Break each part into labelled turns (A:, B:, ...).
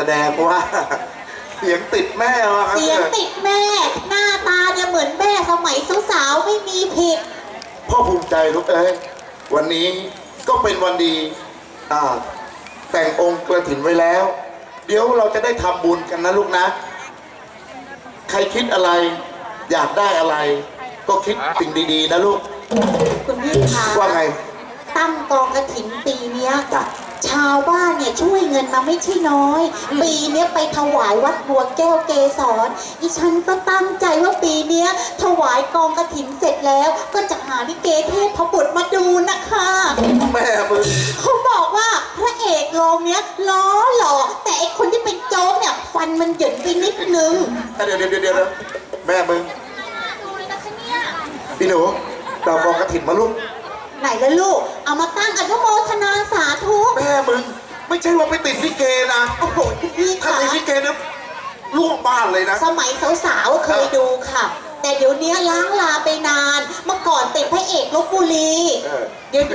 A: ดงว่าเสียงติดแม่ว่ะครับ
B: เสียงติดแม่หน้าตาเนี่ยเหมือนแม่สมัยสาวๆไม่มีผิด
A: พ่อภูมิใจลูกเอ้ยวันนี้ก็เป็นวันดีแต่งองค์กระถินไว้แล้ว เดี๋ยวเราจะได้ทำบุญกันนะลูกนะ ใครคิดอะไรอยากได้อะไร ก็คิดสิ่งดีๆนะลูก
B: คุณพี่คะ
A: ว่าไง
B: ตั้งกองกระถินปีเนี้ย
A: จ้ะ
B: ชาวบ้านเนี่ยช่วยเงินมาไม่ใช่น้อย ปีเนี้ยไปถวายวัดบัวแก้วเกสรอีฉันก็ตั้งใจว่าปีเนี้ยถวายกองกระถินเสร็จแล้ว ก็จะหาลิเกเทพบุตรมาดูนะคะ
A: แม่มึง
B: เขาบอกว่าพระเอกโรงเนี้ยล้อหล่อแต่ไอคนที่เป็นโจ๊กเนี่ยฟันมันหย่นไปนิดนึง
A: เดี๋ยวแม่มึงพี่หนูเรากองกระถินมาลูก
B: ไหนละลูกเอามาตั้งอนุโมทนาสาธุ
A: แม่มึงไม่ใช่ว่าไปติดลิเกนะ
B: โอ้โหคุณพี่
A: ถ้า
B: คะ
A: ติดลิเกนะล่วงบ้านเลยนะ
B: สมัยสาวๆเคยดูค่ะ แต่เดี๋ยวนี้ล้างลาไปนาน เมื่อก่อนติดพระเอกลพบุรีเดี๋ยว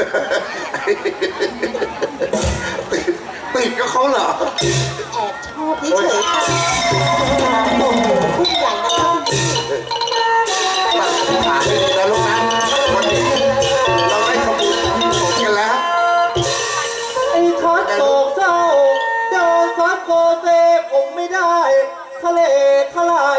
A: ติดก็เขาเหรอ
B: แอบชอบเฉยๆค่ะโอ้โหผู้ใหญ่นะคะคุณพี่
A: ตั้งขาให้ดีนะลูกนะวันนี้เราได้ขบุญสมกันแล้ว
C: ไอ้ทัดโศกเศร้าเดินซัดโซเซผมไม่ได้ทะเลทลาย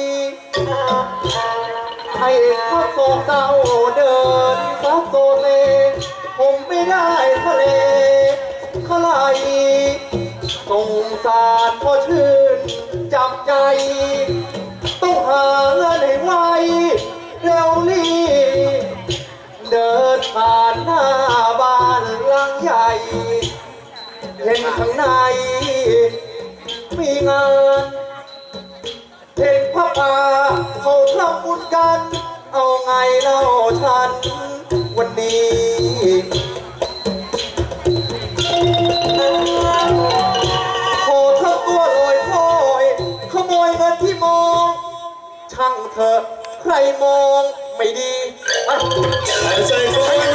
C: ไอ้ทัดโศกเศร้าเดินซัดโซเซผมไม่ได้ทะเลทลายสงสารพอชื่นจับใจต้องหาเงินให้ไวเร็วรีเดินผ่านหน้าบ้านหลังใหญ่ เห็นข้างในมีงานเห็นพระป่าเขาทำบุญกัน เอาไงเล่าฉันวันนี้ขอทั้งตัวลอยพลอยขโมยเงินที่มอง ช่างเถอะใครมองไม่ดี
A: ใส่เขาให้